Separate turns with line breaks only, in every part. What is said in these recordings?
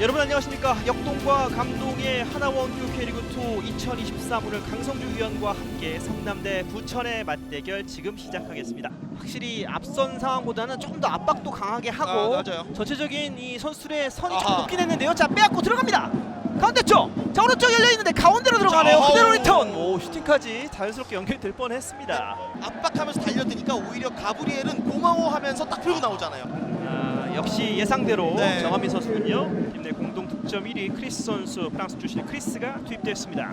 여러분 안녕하십니까. 역동과 감동의 하나원큐 K리그2 2023 강성주 위원과 함께 성남대 부천의 맞대결 지금 시작하겠습니다. 확실히 앞선 상황보다는 조금 더 압박도 강하게 하고
맞아요.
전체적인 이 선수들의 선이 좀 높긴 했는데요. 자, 빼앗고 들어갑니다. 가운데 쪽! 자, 오른쪽 열려있는데 가운데로 들어가네요. 그대로 리턴! 오, 슈팅까지 자연스럽게 연결될 뻔했습니다.
압박하면서 달려드니까 오히려 가브리엘은 고마워하면서 딱 풀고 나오잖아요.
역시 예상대로
네.
정한민 선수군요. 팀 내 공동 득점 1위 크리스 선수, 프랑스 출신의 크리스가 투입됐습니다.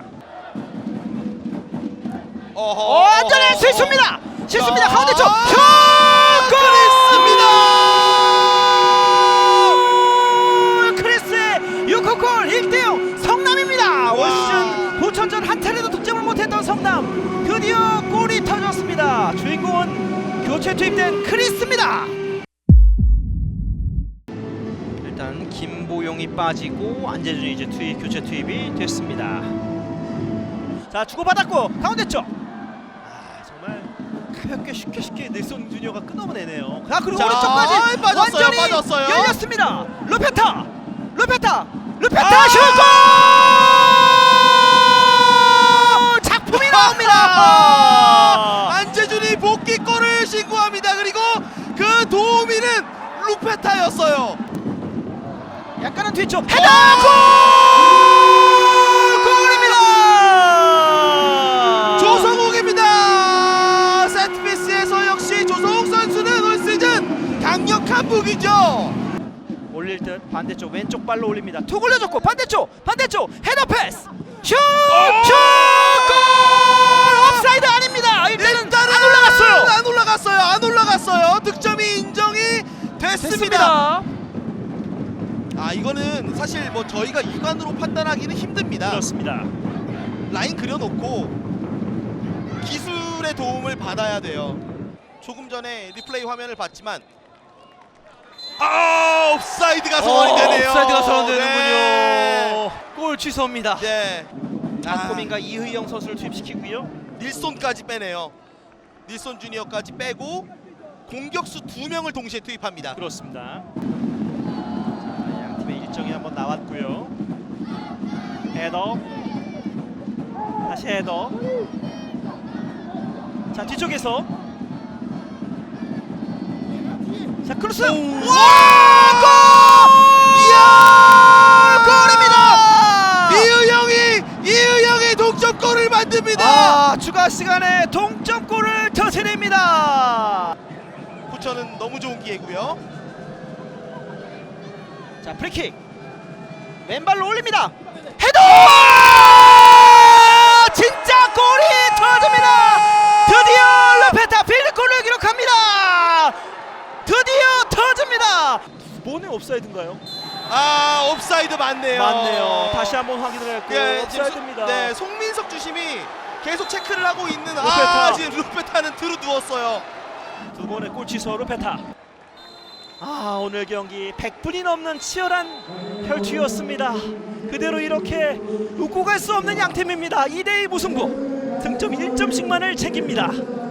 안전해! 실수입니다! 실수입니다! 가운데 쪽! 슛! 골! 크리스의 6호 골! 1대0 성남입니다! 올 시즌 부천전 한 차례도 득점을 못했던 성남, 드디어 골이 터졌습니다. 주인공은 교체 투입된 크리스입니다. 일단 김보용이 빠지고 안재준이 이제 교체 투입이 됐습니다. 자, 주고받았고 가운데 쪽. 정말 가볍게 쉽게 넬슨 주니어가 끊어내네요. 자, 그리고 오른쪽까지 완전히
빠졌어요.
열렸습니다. 루페타 슛! 작품이 나옵니다.
안재준이 복귀골을 신고합니다. 그리고 그 도우미는 루페타였어요.
약간은 뒤쪽 헤더! 골입니다.
조성욱입니다. 세트피스에서 역시 조성욱 선수는 올 시즌 강력한 무기죠.
올릴 듯 반대쪽 왼쪽 발로 올립니다. 툭 올려줬고 반대쪽 헤더 패스 슛! 골! 옵사이드 아닙니다. 일단은 안 올라갔어요.
득점이 인정이 됐습니다. 이거는 사실 뭐 저희가 육안으로 판단하기는 힘듭니다.
그렇습니다.
라인 그려놓고 기술의 도움을 받아야 돼요. 조금 전에 리플레이 화면을 봤지만 옵사이드가 선언이 되네요.
옵사이드가 선언되는군요.
네.
골 취소입니다.
네.
박고민과 이의영 선수를 투입시키고요.
닐손까지 빼네요. 닐손 주니어까지 빼고 공격수 2명을 동시에 투입합니다.
그렇습니다. 양 팀의 일정이 한번 나왔고요. 헤더, 다시 헤더. 자, 뒤쪽에서 자, 크로스.
와! 골! 이야! 골입니다. 이의영이 동점골을 만듭니다.
추가 시간에 동점골을 터뜨립니다.
부천은 너무 좋은 기회고요.
자, 프리킥 왼발로 올립니다. 헤더! 진짜 골이 터집니다. 드디어 루페타 필드골을 기록합니다. 드디어 터집니다. 두 번의 옵사이드인가요?
옵사이드 맞네요.
다시 한번 확인을 했고 옵사이드입니다.
네, 송민석 주심이 계속 체크를 하고 있는
루페타.
지금 루페타는 들어 누웠어요.
두 번의 골 취소 루페타. 오늘 경기 100분이 넘는 치열한 혈투였습니다. 그대로 이렇게 웃고 갈 수 없는 양팀입니다. 2대2 무승부. 득점 1점씩만을 챙깁니다.